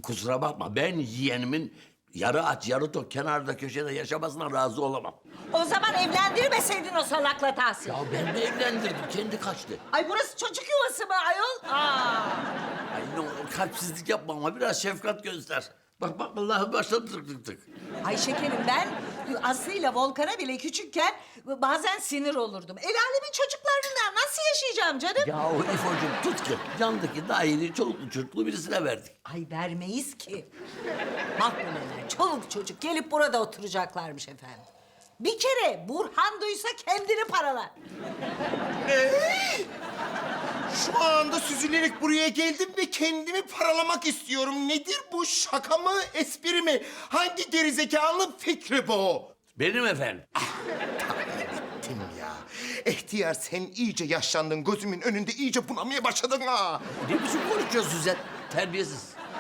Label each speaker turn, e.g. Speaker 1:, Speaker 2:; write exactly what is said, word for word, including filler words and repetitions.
Speaker 1: kusura bakma, ben yeğenimin yarı aç yarı tok kenarda köşede yaşamasına razı olamam.
Speaker 2: O zaman evlendirmeseydin o salakla Tahsin.
Speaker 1: Ya ben de evlendirdim, kendi kaçtı.
Speaker 2: Ay burası çocuk yuvası mı ayol? Aa.
Speaker 1: Ay ne olur kalpsizlik yapma ama biraz şefkat göster. Bak bak vallahi başladı tık tık tık.
Speaker 2: Ay şekerim ben Aslı ile Volkan'a bile küçükken bazen sinir olurdum. El alemin çocuklarından nasıl yaşayacağım canım?
Speaker 1: Ya o İfo'cum tut ki yandaki daire çoluklu çocuklu birisine verdik.
Speaker 2: Ay vermeyiz ki. Mahkemeler, çoluk çocuk gelip burada oturacaklarmış efendim. Bir kere Burhan duysa kendini paralar.
Speaker 3: Şu anda süzülerek buraya geldim ve kendimi paralamak istiyorum. Nedir bu, şaka mı, espri mi? Hangi gerizekalı fikri bu?
Speaker 1: Benim efendim.
Speaker 3: Ettim ya. Ehtiyar sen iyice yaşlandın. Gözümün önünde iyice bunamaya başladın ha.
Speaker 1: Ne biçim konuşuyorsun sen? Terbiyesiz.